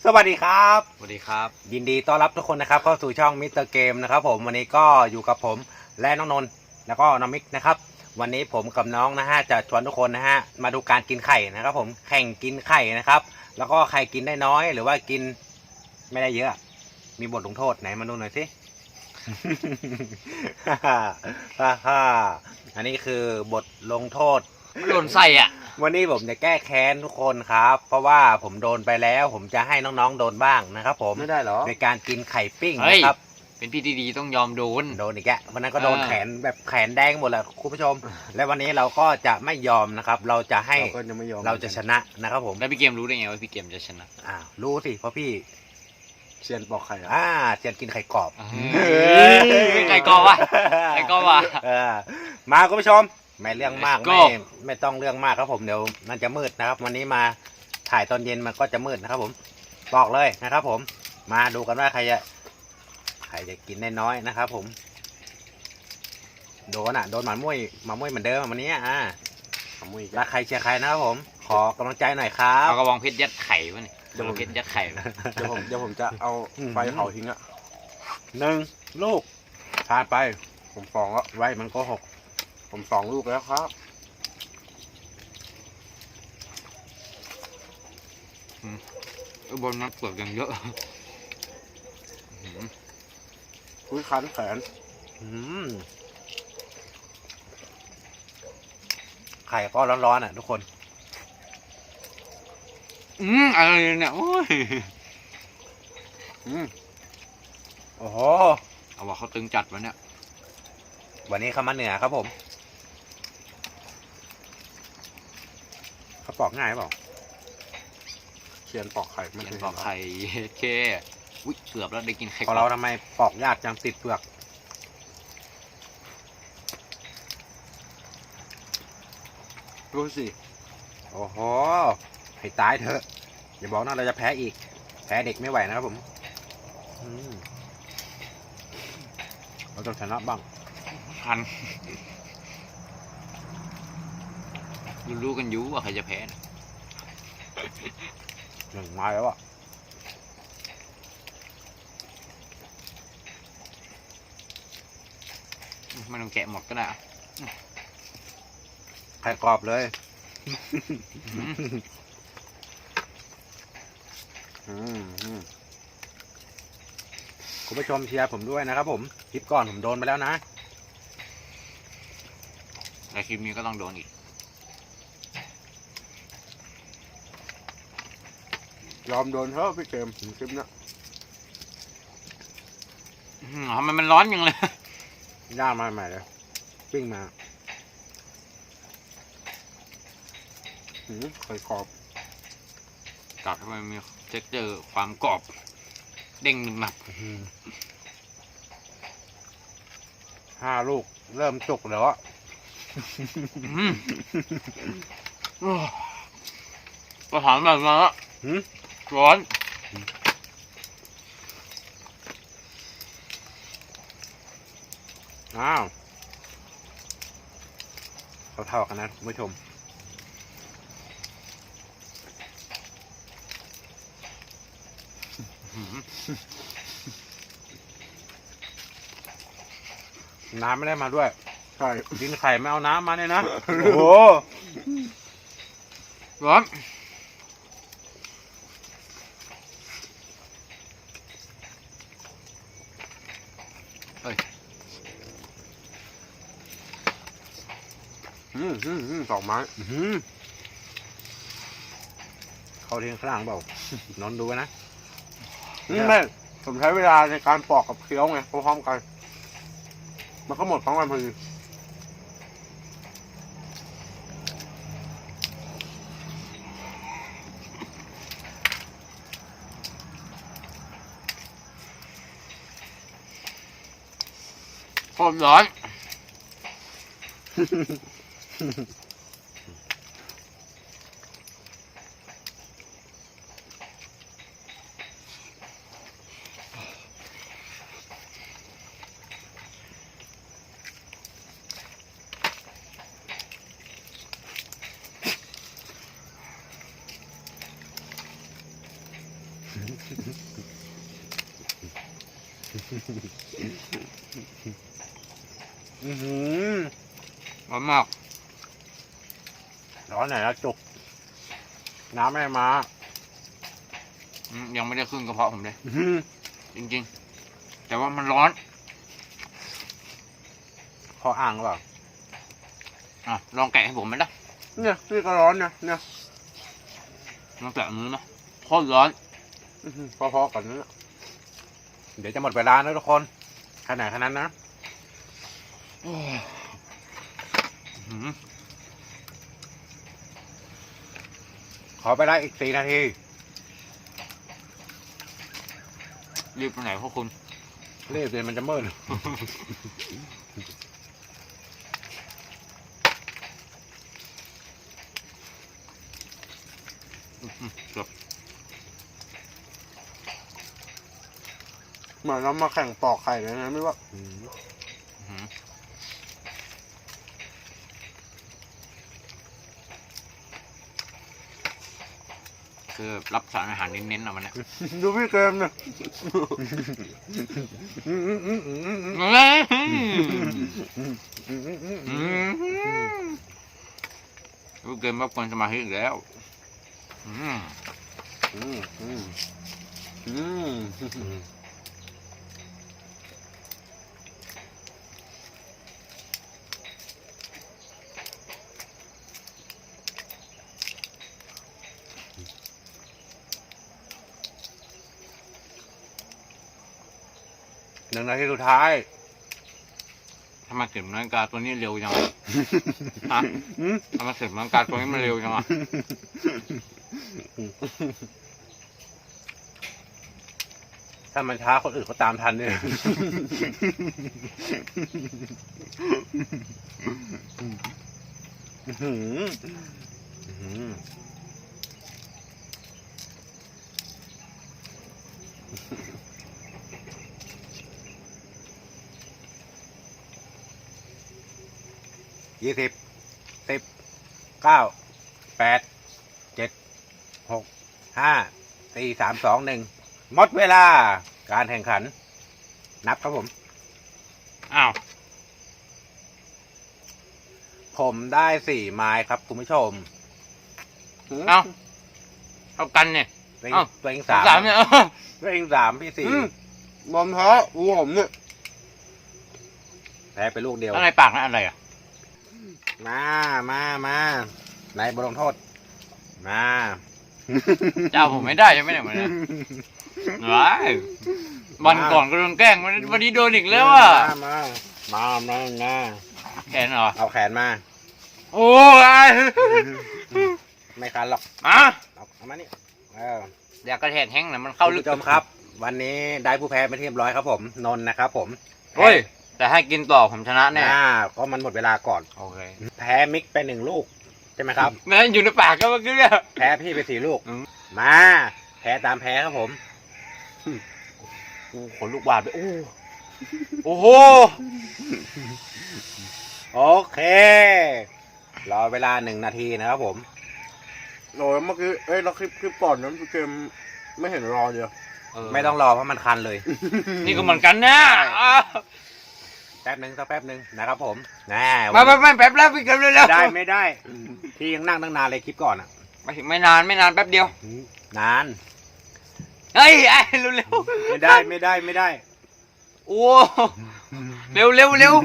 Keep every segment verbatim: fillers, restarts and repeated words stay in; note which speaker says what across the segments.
Speaker 1: สวัสดีครับ
Speaker 2: สวัสดีครับ
Speaker 1: ยินดีต้อนรับทุกคนนะครับเข้าสู่ช่องมิสเตอร์เกมนะครับผมวันนี้ก็อยู่กับผมและน้องนนท์แล้วก็น้องมิกนะครับวันนี้ผมกับน้องนะฮะจะชวนทุกคนนะฮะมาดูการกินไข่นะครับผมแข่งกินไข่นะครับแล้วก็ใครกินได้น้อยหรือว่ากินไม่ได้เยอะมีบทลงโทษไหนมาดูหน่อยสิ อันนี้คือบทลงโทษ
Speaker 2: มันหล่นใส่อ่ะ
Speaker 1: วันนี้ผมจะแก้แค้นทุกคนครับเพราะว่าผมโดนไปแล้วผมจะให้น้องๆโดนบ้างนะครับผม
Speaker 3: ไม่ได้หรอ
Speaker 1: ในการกินไข่ปิ้งนะครับ
Speaker 2: เป็นพี่ดีๆต้องยอมโดน
Speaker 1: โดนอีกแกวันนั้นก็โดนแขนแบบแขนแดงหมดแหละคุณผู้ชมและวันนี้เราก็จะไม่ยอมนะครับเราจะให้เราก็จะไม่ยอมเราจะชนะนะครับผม
Speaker 2: แล้วพี่เกมรู้ได้ไงว่าพี่เกมจะชนะ
Speaker 1: อ้าวรู้สิเพราะพี่
Speaker 3: เซียนปอกไข่
Speaker 1: อ่าเซียนกินไข่กรอบ
Speaker 2: ไข่กรอบวะไข่กรอบวะ
Speaker 1: มาคุณผู้ชมไม่เรื่องมากไม่ไม่ต้องเรื่องมากครับผมเดี๋ยวมันจะมืดนะครับวันนี้มาถ่ายตอนเย็นมันก็จะมืดนะครับผมบอกเลยนะครับผมมาดูกันว่าใครจะใครจะกินได้น้อยนะครับผมโดนอ่ะโดนหมามุ้ยหมามุ้ยเหมือนเดิมวันนี้อ่ะหมามุ้ยรักใครเชียร์ใครนะครับผมขอกำลังใจหน่อยครับ
Speaker 2: เอากระบองเพชรยัดไข่วะนี่กระบองเพชรยัดไข่
Speaker 3: เดี๋ยวผมเดี๋ยวผมจะเอาไฟเผาทิ้งอ่ะ
Speaker 1: หนึ่งลูกผ่านไป
Speaker 3: ผมสองแล้ว
Speaker 1: ไว้มันก็หก
Speaker 3: ผมสองลูกแล้วครับ
Speaker 2: บนนั้นเปลือกยังเยอะ
Speaker 3: อุ้ยคันแขน
Speaker 1: ไข่ก็ร้อนๆอ่ะทุกคน
Speaker 2: อืมอะไรเนี่ยโอ้ย
Speaker 1: อืมโอ้โห
Speaker 2: เอาว่าเขาตึงจัดวันเนี้ย
Speaker 1: วันนี้เขามาเหนือครับผมเขาปอกง่ายเปล่า
Speaker 3: เขียนปอกไข่ไม่
Speaker 2: เขียนปอกไข่เคอุ้ยเกือบแล้วได้กินไข่
Speaker 1: ของเราทำไมปอกยากจังติดเปลือก
Speaker 3: รู้สิ
Speaker 1: โอ้โหให้ตายเถอะอย่าบอกนะเราจะแพ้อีกแพ้เด็กไม่ไหวนะครับผมเราต้องชนะบ้าง
Speaker 2: ทันรู้กันอยู่ว่าใครจะแพ้
Speaker 1: หนึ่งไม้แล้วอ่ะ
Speaker 2: ไม่ต้องแกะหมดก็ได้
Speaker 1: ไข่กรอบเลยคุณผู้ชมเชียร์ผมด้วยนะครับผมคลิปก่อนผมโดนไปแล้วนะ
Speaker 2: แต่คลิปนี้ก็ต้องโดนอีก
Speaker 3: ยอมโดนเถอะพี่เกมคลิปนี้
Speaker 2: ทำไมมันร้อนยังเลย
Speaker 1: ย่างมาใหม่เลยปิ้งมา
Speaker 3: ไข่กรอบ
Speaker 2: กัดทำไมมีเท็กเจอร์ความกรอบเด้งหนัก
Speaker 1: ห้าลูกเริ่มจุกแล้วอ่ะ
Speaker 2: ก็ถามแบบนั้นละร้อน
Speaker 1: อ้าวเท่าๆกันนะคุณผู้ชมน้ำไม่ได้มาด้วย
Speaker 3: ใช่
Speaker 1: กินไข่ไม่เอาน้ำมาเนี่ยนะโอ้โห
Speaker 2: ร้อน
Speaker 3: อืมอืมอืมสองไม้
Speaker 1: เขาเทียงข้างเปล่านอนดูนะ
Speaker 3: ไม่ผมใช้เวลาในการปอกกับเคี้ยวไงพร้อมกันมันก็หมดพร้อมกันพอดี
Speaker 2: โคตรร้อน
Speaker 1: อื้อหือ
Speaker 2: ร้อนมาก
Speaker 1: ร้อนไหนแล้วจุก น้ำไม่มา
Speaker 2: อืมยังไม่ได้ขึ้นกระเพาะผมเลย
Speaker 1: อื้อหือ
Speaker 2: จริงๆ แต่ว่ามันร้อน
Speaker 1: คออ่างหรือเปล่า
Speaker 2: อ่ะลองแกะให้ผมไหมล่ะ
Speaker 3: เนี่ยนี่ก็ร้อนนะเนี่ย
Speaker 2: ลองแกะมือนะโคตรร้อน
Speaker 3: อื้อหือพอๆกันนั่นแหละ
Speaker 1: เดี๋ยวจะหมดเวลานะทุกคนขนาดขนาดนั้นนะ
Speaker 2: อื้อหือ
Speaker 1: ขอไปได้อีกสี่นาที
Speaker 2: รีบไปไหนพวกคุณ
Speaker 1: รีบเลยมันจะมืด
Speaker 2: อื้อหือเกือบ
Speaker 3: เหมือนเรามาแข่งปอกไข่เลยนะไม่ว่า
Speaker 2: อื้อหือคือรับสารอาหารเน้นๆเอามันนะ
Speaker 3: ดูพี่เกมเนี่ย
Speaker 2: รู้เกมรบกวนสมาธิอีกแล้ว อืม
Speaker 3: อืมอืมอืม
Speaker 1: หนึ่งนาทีสุดท้าย
Speaker 2: ทำไมเข็มนาฬิกาตัวนี้เร็วจังอะฮะทำไมเข็มนาฬิกาตัวนี้มันเร็วจังอะ
Speaker 1: ถ้ามันช้าคนอื่นเขาตามทันเนี่ย อื้อหืออื้อหือยี่สิบ สิบ เก้า แปด เจ็ด หก ห้า สี่ สาม สอง หนึ่ง หมดเวลา การแข่งขัน นับครับผม
Speaker 2: อ้าว
Speaker 1: ผมได้สี่ไม้ครับคุณผู้ชม
Speaker 2: เอ้าเอากันเนี่ย
Speaker 1: ตัวเอง
Speaker 2: เอ้า
Speaker 1: ตัวเองสาม
Speaker 2: สามเนี่ย
Speaker 1: ตัวเองสามพี่สี่
Speaker 3: อืมบอมแพ้อูผมเนี่ย
Speaker 1: แพ้ไปลูกเดียว
Speaker 2: อะไรปากนะอะไรอ่ะ
Speaker 1: มา มามาในบทลงโทษ มา
Speaker 2: เจ้าผมไม่ได้ใช่ไหมเนี่ยมันเนี่ยว้ายวันก่อนก็โดนแกล้งวันวันนี้โดนอีกแล้วอ่ะ
Speaker 1: มา มา มา มา
Speaker 2: แขนเหรอ
Speaker 1: เอาแขนมา
Speaker 2: โอ้ย
Speaker 1: ไม่คันหรอก
Speaker 2: อ่ะ
Speaker 1: เอาเอามานี่เออ
Speaker 2: อยากกระแทกแห้งนะมันเข้า
Speaker 1: คุณ
Speaker 2: ลึก
Speaker 1: ผู้ชมครับ วันนี้ได้ผู้แพ้เป็นที่เรียบร้อยครับผม นนท์นะครับผม
Speaker 2: เฮ้ย แต่ให้กินต่อผมชนะแน่
Speaker 1: อ่าก็มันหมดเวลาก่อน
Speaker 2: โอเค
Speaker 1: แพ้มิกไปหนึ่งลูก ใช่ไหมครับ
Speaker 2: แม่งอยู่ในปากก็เมื่อกี้เนี่ย
Speaker 1: แพ้พี่ไปสี่ลูก
Speaker 2: อืม
Speaker 1: มา แพ้ตามแพ้ครับผม
Speaker 2: โอ้ขนลูกบาดไปโอ้โอ้โห
Speaker 1: โอเค รอเวลาหนึ่งนาทีนะครับผม
Speaker 3: โอ้ยเมื่อกี้เอ้ยเราคลิปคลิปก่อนนั้นพี่เกมไม่เห็นรอเดียว
Speaker 1: ไม่ต้องรอเพราะมันคันเลย
Speaker 2: นี่ก็เหมือนกันนะ
Speaker 1: แป๊บหนึ่งสักแป๊บหนึ่งนะครับผมแน่
Speaker 2: มาไม่ไม่แป๊บแล้วพี่เกินเลยแล้ว
Speaker 1: ได้ไม่ได้ พี่ยังนั่งตั้งนานเลยคลิปก่อนอ่ะ
Speaker 2: ไม่ไม่นานไม่นานแป๊บเดียว
Speaker 1: นาน
Speaker 2: เฮ้ยไอ้เร็ว
Speaker 1: ไม่ได้ไม่ได้ไม่ได้
Speaker 2: ๆโอ้เร็วเร็วเร็วย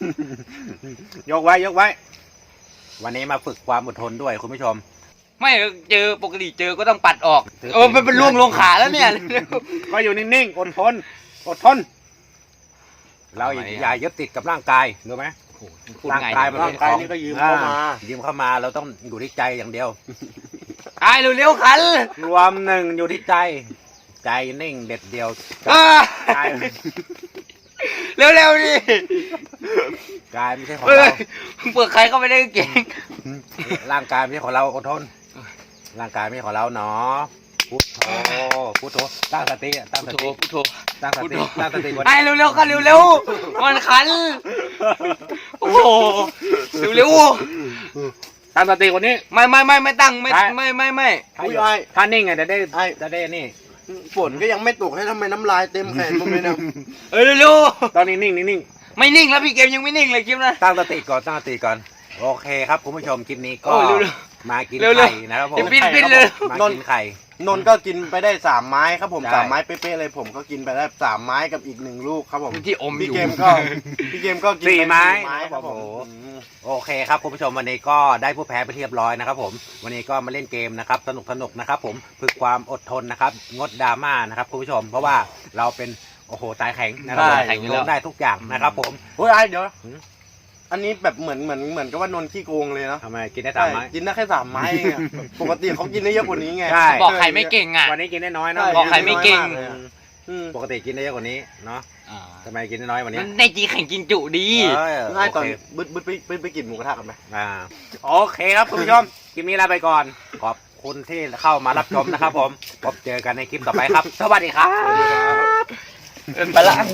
Speaker 1: กไว้ยกไว้ วันนี้มาฝึกความอดทนด้วยคุณผู้ชม
Speaker 2: ไม่เจอปกติเจอก็ต้องปัดออกเออมันเป็นล่วงลงขาแล้วเนี่ยเร็ว
Speaker 1: ก็อยู่นิ่งๆอดทนอดทน เราอย่าอย่ายึดติดกับร่างกายรู้ไหม
Speaker 2: พูด
Speaker 1: ร่าง
Speaker 2: ไง
Speaker 1: กายมัน
Speaker 3: ร่างกายนี่ก็ยืมเข้ามา
Speaker 1: อ่ยืมเข้ามาเราต้องอยู่ที่ใจอย่างเดียว
Speaker 2: ไอ้เร็วเร็วๆขัน
Speaker 1: รวมหนึ่งอยู่ที่ใจ ใจนิ่งเด็ดเดียว
Speaker 2: อ่าก
Speaker 1: าย
Speaker 2: เร็วเร็วๆดิ
Speaker 1: กายไม่ใช่ของ
Speaker 2: เฮ้
Speaker 1: เรา
Speaker 2: ยเปิดใครเข้าไปได้กางเก่ง
Speaker 1: ร่างกายไม่ใช่ของเราอดทน ร่างกายไม่ใช่ของเราเนาะพุทโธพุทโธตั้งสติอะตั้งส
Speaker 2: พุทโธ
Speaker 1: ติ
Speaker 2: พุทโธ
Speaker 1: ตั้งสติตั้งสติก่อน
Speaker 2: ไอ้เร็วเร็วๆขันเร็วเร็วๆมันขันโอ้โหเร็วเร็ว
Speaker 1: ตั้งสติกว่านี้
Speaker 2: ๆไม่ไม่ไม่ไม่ตั้งไม่
Speaker 1: ใช่
Speaker 2: ไม่ไม่ไม่
Speaker 1: ถ้าอยู่ถ้านิ่งไงจะได้จะได้นี่
Speaker 3: นฝนก็ยังไม่ตกให้ทำไมน้ำลายเต็มแขนผมเลยนะ
Speaker 2: เออเร็ว
Speaker 1: ตอนนี้นิ่งนิ่งนิ่ง
Speaker 2: ๆไม่นิ่งแล้วพี่เกมยังไม่นิ่งเลยคลิปนะ
Speaker 1: ตั้งสติก่อนตั้งสติก่อนโอเคครับคุณผู้ชมคลิปนี้ก็
Speaker 2: โอ้เร็ว
Speaker 1: มากิน
Speaker 2: เร็วๆ
Speaker 1: ไข่นะครับผม
Speaker 2: เดี๋ยวปิ้นปิ้นเลย
Speaker 1: มากินไข่
Speaker 3: นนท์ก็กินไปได้สามไม้ครับผม
Speaker 1: ใช่
Speaker 3: สามไม้เป๊ะๆเลยผมก็กินไปได้สามไม้กับอีกหนึ่งลูกครับผม
Speaker 2: ที่อมอ
Speaker 3: พี่
Speaker 2: ยู่
Speaker 3: เกมก็พี่เกมก็กิน
Speaker 1: สี่
Speaker 3: ป
Speaker 1: ไม้
Speaker 3: สี่ไม้ครับผม
Speaker 1: โอ้โห
Speaker 3: อืม
Speaker 1: โอเคครับคุณผู้ชมวันนี้ก็ได้ผู้แพ้ไปเรียบร้อยนะครับผมวันนี้ก็มาเล่นเกมนะครับสนุกสนุกนะครับผมฝึกความอดทนนะครับงดดราม่านะครับคุณผู้ชมเพราะว่าเราเป็นโอ้โหตายแข็งนะครับผม
Speaker 2: ตายแข็งอยู่แล้ว
Speaker 1: ลงได้ทุกอย่างนะครับผม
Speaker 3: เฮ้ยไอ้เดี๋ยว
Speaker 1: หืม
Speaker 3: อันนี้แบบเหมือนเหมือนเหมือนกับว่านนท์ขี้โกงเลยเนาะ
Speaker 1: ทำไมกินได้สามไม้
Speaker 3: ใช่กินได้แค่สามไม้เองอะปกติเขากินได้เยอะกว่านี้ไง
Speaker 1: ใช่
Speaker 2: บอกใครไม่เก่งอ่ะ
Speaker 1: วันนี้กินได้น้อยเนาะ
Speaker 3: ใช่
Speaker 2: บอกใครไม่เก่ง
Speaker 3: น้อยากเลยอะอืม
Speaker 1: ปกติกินได้เยอะกว่านี้เนาะ
Speaker 2: อ่า
Speaker 1: ทำไมกินได้น้อยกว่านี้
Speaker 2: มันในจีแข่งกินจุดี
Speaker 1: เออ
Speaker 3: ง่ายตอน
Speaker 1: โเค
Speaker 3: บึดบึดไปไปไปกินหมูกระทะกันไหม
Speaker 1: อ่าโอเคครับคุณผู้ชมคลิปนี้ลาไปก่อนขอบคุณที่เข้ามารับชมนะครับผมพบเจอกันในคลิปต่อไปครับ สวัสดีครับ
Speaker 2: เป็นไปละ